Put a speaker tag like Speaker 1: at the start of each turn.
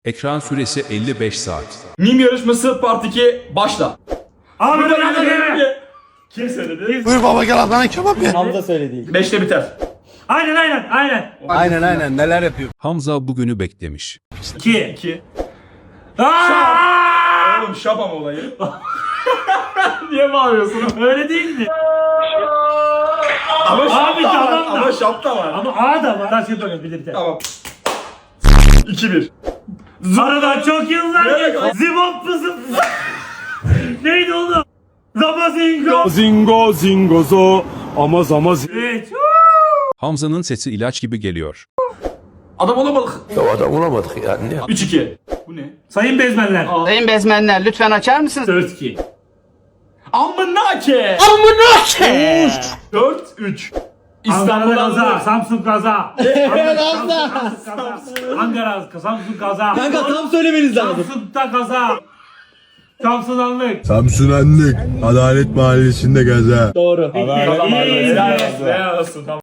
Speaker 1: Ekran süresi 55 saat.
Speaker 2: Mim yarışması part 2 başla.
Speaker 3: Abi
Speaker 2: Burada
Speaker 3: ben
Speaker 2: geldi. Kim söyledi?
Speaker 4: Buyur baba gel Adana kebap ye.
Speaker 5: Hamza söyledi.
Speaker 2: 5'te biter.
Speaker 3: Aynen.
Speaker 4: Neler yapıyor?
Speaker 1: Hamza bugünü beklemiş.
Speaker 3: 2.
Speaker 2: 2.
Speaker 3: Aaaa!
Speaker 2: Oğlum şapam olayı. Niye bağırıyorsun?
Speaker 3: Öyle değildi.
Speaker 2: Ama
Speaker 3: Abi
Speaker 2: şap da var.
Speaker 3: tamam da.
Speaker 2: Ama şap da var.
Speaker 3: Ama A da var. Taş yapalım bir de bir tane.
Speaker 2: Tamam. 2-1.
Speaker 3: Aradan çok yıllar
Speaker 2: Nereye
Speaker 3: geçti.
Speaker 2: kaç-
Speaker 3: Zibop pızım. Neydi oğlum? Zamazingo.
Speaker 6: Zingo zingozo ama zama
Speaker 3: 3.
Speaker 1: Hamza'nın sesi ilaç gibi geliyor.
Speaker 2: Adam olamadık.
Speaker 4: Ya adam olamadık yani.
Speaker 2: 3-2. Bu ne?
Speaker 3: Sayın bezmenler.
Speaker 7: Sayın bezmenler lütfen açar mısınız?
Speaker 3: 4-2.
Speaker 2: Amınake. 4-3.
Speaker 3: Ankara
Speaker 2: İstanbul'dan
Speaker 3: kaza,
Speaker 2: da.
Speaker 3: Samsun kaza. Ankara, Samsun kaza.
Speaker 5: Kanka tam söylemeniz lazım.
Speaker 3: Samsun'da kaza. Samsunanlık.
Speaker 6: Samsunanlık Adalet Mahallesi'nde gaza.
Speaker 5: Doğru.
Speaker 3: Bitti.
Speaker 2: Helal olsun.
Speaker 3: İyi.
Speaker 2: Helal olsun. Tamam.